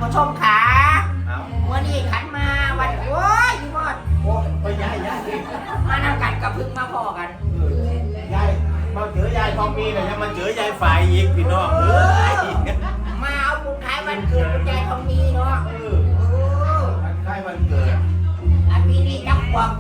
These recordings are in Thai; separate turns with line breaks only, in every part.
ผู้ชมขาวันนี้ขันมาวันโอ้ยพี่บอดโอ้ยยายมานำกันกับพึ่งมาพอกัน
ยายมาเจอยายทองมีเลยยังมาเจอยายฝ่ายอีกพี่น้องเอ้ย
มาเอาบุญท้ายวันเกิดคุณยายทองมีเนาะ
ท้ายวันเกิด
ปีนี้นับความ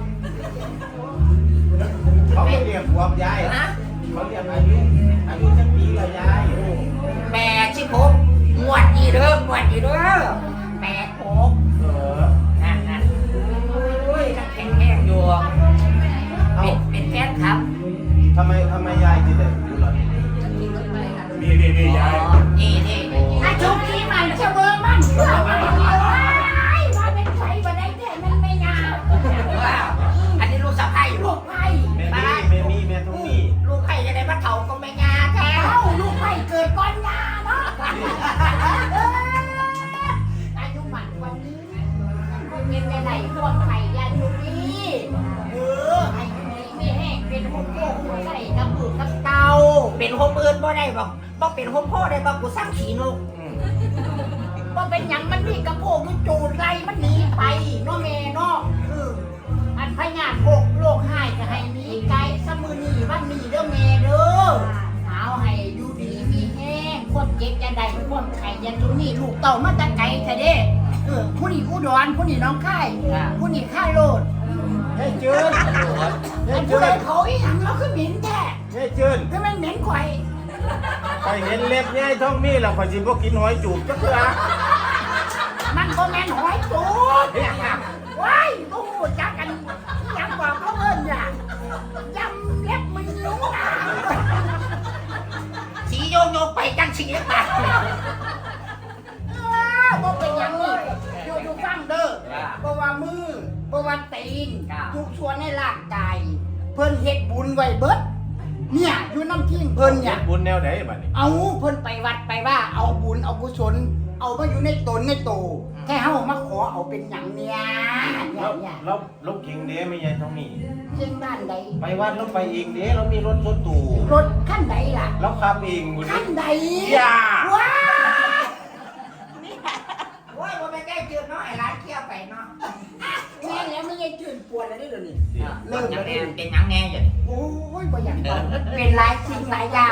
เขาเรียกความยายนะเขาเรียกอายุสักปีละยาย
86งวดดีเด้องวดดีเด้อ86นั่นโอ้ยนักแข่งอยู่เป็นแฟนครับ
ทำไมยายที่เด็กอยู่หรอนี่ยาย
นี่อาชุบที่มันเชื่อเบอร์มันเชื่อมันว่าเป็นใครมาได้แต่มันไม่งามอันนี้ลูกสะใภ้ลูกไผ่
แม่ต้องมี
ลูกไผ่จะได้มาเถาก็ไม่งาแท้ลูกไผ่เกิดก้อนงาเนาะอายุหมันวันนี้เป็นจะไหนพวกไข่ยันลูกนี้อายุนี้ไม่แห้งเป็นหัวโป่งหัวใส่กระปุกกระเตาเป็นหัวปืนบ่ได้บอกเป็นหัวพ่อได้บอกกูสร้างขีนกบ่เป็นหยังมันนี่กระโปงมันจูดไรมันหนีไปเนาะแม่เนาะอันพญาโลกหายจะให้หนีไกลสมือนี่วันนี้เด้อแม่เด้อเอาให้อยู่ดีมีแห้งความเจ็บจะได้ความไข่ยันตรงนี้ลูกเต่ามาตะไกลแท้เด้ผู้นี้อุดรผู้นี้น้องค่ายผู้นี้ค่ายโลด
เฮ้ยจืน
ผู้ใดเขาอีหยังเราคือเหม็นแท้
เฮ้ยจืน
คือมันเหม็นข่อย
ไปเห็นเล็บยายทองมีแล้วข่อยสิบ่กินหอยจูบจักเทื่อ
มันบ่แม่นหอยจูบว้ายกูจักกันยังบอกเขาเอิ้นล่ะยำเล็บมึงรู้นะสีโยไปจังสีเล็บปากบ่เป็นหยังนี่อยู่ฟังเด้อบ่ว่ามือบ่ว่าตีนทุกส่วนในร่างกายเพิ่นเฮ็ดบุญไว้เบิดเนี่ยอยู่น้ำทิ้งเพิ่นเนี่ย
บุญแนวไหนบัดนี้
เอาเพิ่นไปวัดไปว่าเอาบุญเอากุศลเอามาอยู่ในตนในโตแค่เฮามาขอเอาเป็นหยังเนี่ย
เราเก่งเด้ไม่ยายทองมี
เก่งบ้านใด
ไปวัดเราไปเองเด้เรามีรถตู้
รถคันใดล่ะ
เราขับเอง
คันใด
อย่า
ว้านี่โอ้ยบ่แม่นได้จืดเนาะไอ้ร้านเคี่ยวไปเนาะแม่แล้วไม่ได้จืดปวดแล้วนี่เดี๋ยวนี้เริ่มแล้วเป็นหยังแน่อยู่โอ้ยบ่อยากบอกเป็นหลายสิ่งหลายอย่าง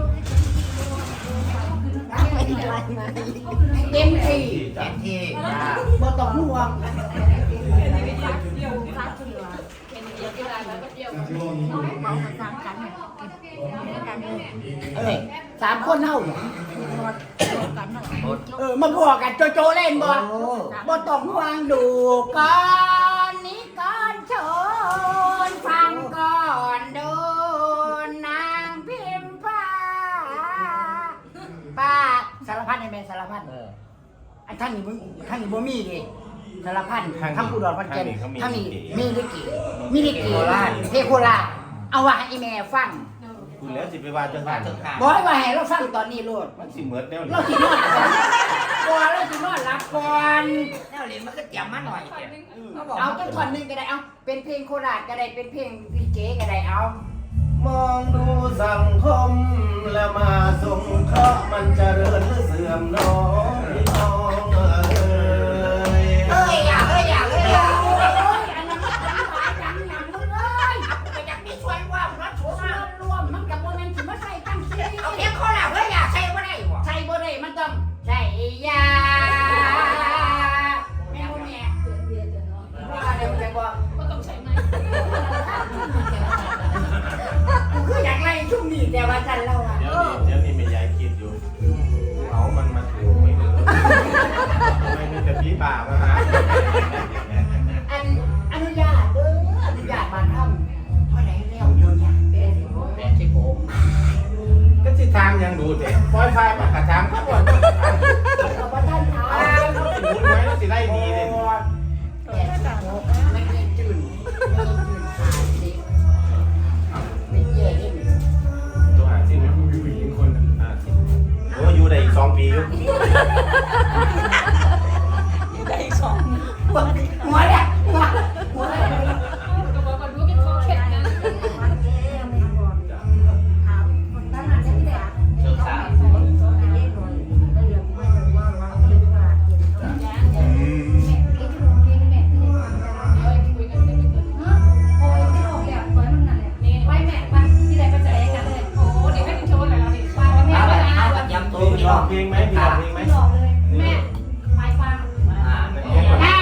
เต็มที่บ่ต้องห่วง3 คนเท่ามาบวกกันโจเล่นบ่ต้องห่วงดูก่อนนี้ก่อนชนฟังก่อนดูนางพิมพาป้าสารพัดในแม่สารพัดไอ้ท่านนี่บ่มีดิสารพัดทั้งอุดรพันแก่นทั้งนี้มีลิเกเพโคราชเอาว่าให้แม่ฟัง
คุณแล้วสิไปว่าจังซั่น
บ่ให้ว่าให้เราฟังตอนนี้โลด
มันสิเหมือนแนว
เราสินอนเราสินอนหลับก่อนแนวเรียนมันก็เตรียมมาหน่อยเอาจังท่อนนึงก็ได้เอาเป็นเพลงโคราชก็ได้เป็นเพลงลิเกก็ได้เอา
มองดูสังคมแล้วมาสงเคราะห์มันเจริญหรือเสื่อมน้องพี่น้อง
อย่าอันนั้นมันหลายอย่างอย่างมึงเลยไปจากนี้ช่วยว่ารัดช่วยรวมมันกับโมเมนต์ที่มาใส่ตั้งซี่เอาเพียงข้อหลักเฮ้ยอย่าใส่บ่ได้ใส่บ่ได้มันต้องใส่ยาแม่แม่ว่าเดี๋ยวใจบ่ต้องใส่ไหมคืออยากไล่ช่วงนี้แต่ว่าจันเราอ่ะ
เดี๋ยวนี้ไม่ยายคิดอยู่เอามันมาถือไม่ถือไม่มีแต่พี่บ่ามาหา
อนุญาตอนุญาตมาทำเท่าไหร่แล้วเดี๋ยวเนี่ย
ก็สิทางยังดูแต่ปล่อยไฟมากระทางครับวัน
เราบ่ทันทาง
เราสิบุญไว้เราสิได้ดีเลย
ไม่ได้จืดขาดสิไม่เย่ดิ
ตัวหาสิมันมีผู้หญิงคนโอ้อยู่ได้อีก2 ปีอยู่
ได้อีก2หัวแหละหัว
ลองเพลงไหม
หลอกเลยแม่ไปฟัง ได้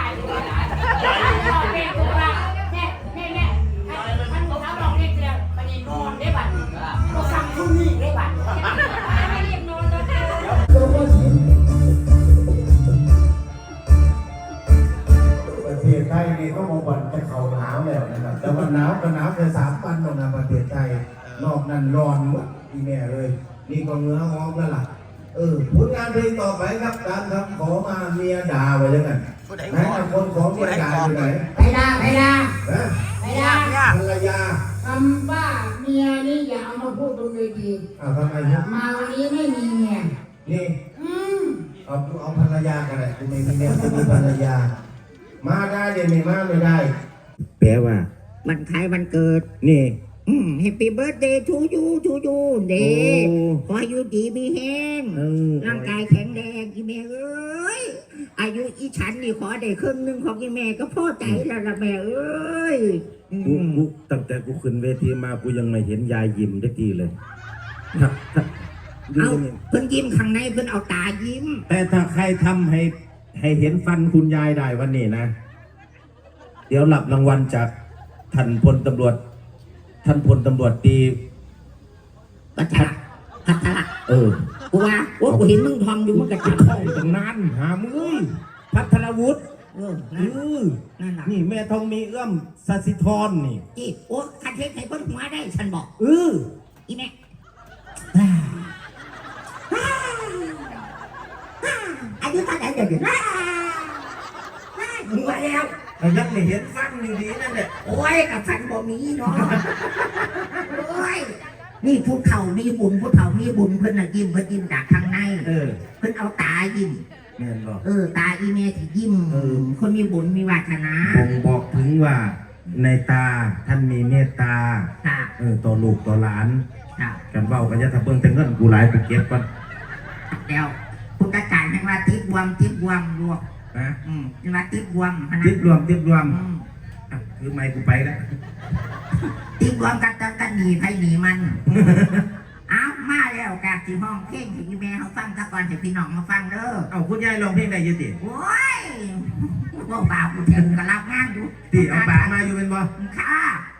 เพลงตัวละแม่ท่านบอกเขาลองเพลงเดียวไปนอนได้บัดก็สั่งทุ่มนี่ได้บัดไม่รีบนอนแล้ว
ประเทศไทยนี่ก็มาบ่นจะเขาหนาวแล้วนะครับแต่ว่าหนาวก็หนาวแค่3 วันนะประเทศไทยนอกนั้นร้อนหมดอีแม่เลยนี่ก็เงื้อหอมแล้วล่ะผลงานเพลงต่อไปครับการทำขอมาเมียด่าไว้ยังไงไหนคนของเมียด่าอยู่ไหน
ไปด่าภรรยาคำว่าเมียนี่อย่าเอามาพูดตรงเลยดี
ทำไมครับ
มาวันนี้ไม่มีเมีย
นี่เอาภรรยากันเลยคุณไม่มีเมียคุณมีภรรยามาได้เดี๋ยวไม่มาไม่ได้แปลว่า
วันคล้ายวันเกิด
นี่
Happy birthday to youเดขออยู่ดีมีแห้งร่างกายแข็งแรงอีแม่เอ้ยอายุอีฉันนี่ขอได้ครึ่งหนึ่งของอีแม่ก็พอใจแล้วละแม่เอ้ย
กูตั้งแต่กูขึ้นเวทีมากูยังไม่เห็นยายยิ้มได้ทีเลย
เอาเพิ่นยิ้มข้างในเพิ่นเอาตายิ้ม
แต่ถ้าใครทำให้เห็นฟันคุณยายได้วันนี้นะเดี๋ยวหลับรางวัลจากท่านพลตำรวจตี
พัทละกูว่ากูเห็นมึงทอมอยู่มึงกระจับ
เข้าตรงนั้นหามือพัทรวุฒิ
นั่นแหละ
นี่แม่ทองมีเอื้อมสัสิธรนี่
จีคันเทศให้พ้นหัวได้ฉันบอกอีแม่อายุเท่าไหร่เดี๋ยวมึงว่าแล้ว
ยังไม่เห็นฟันอยู่ดีนั่นแหละ
โอ้ยกับฟันบ่มีเนาะโอ้ยนี่ผู้เฒ่ามีบุญเพิ่นน่ะยิ้มเพิ่นยิ้มจากข้างในเพิ่นเอาตายิ้มตาอีเมที่ยิ้มคนมีบุญมีวาสนา
บอกถึงว่าในตาท่านมีเมตตาต่อลูกต่อหลานกันเว้ากันจะทำเบิ่งแต่เงินกูหลายไปเก็บก่อน
แล้วคุณตาจ่ายให้ว่าทิพวมลวกนี่ว่าทิพวม
คือไม่กูไปแล้ว
ทิพวมกันหนีไผหนีมันเอามาแล้วกาสีห้องเพลงให้แม่เขาฟังตะกอนให้พี่น้องมาฟังเด้อ
เอาคุณยายร้องเพลงได้ยังติ
โอ้ยบ่บ่าวกูเถิงก็รับงานอยู่
ติเอาป่ามาอยู่เป็นบ่
ค่ะ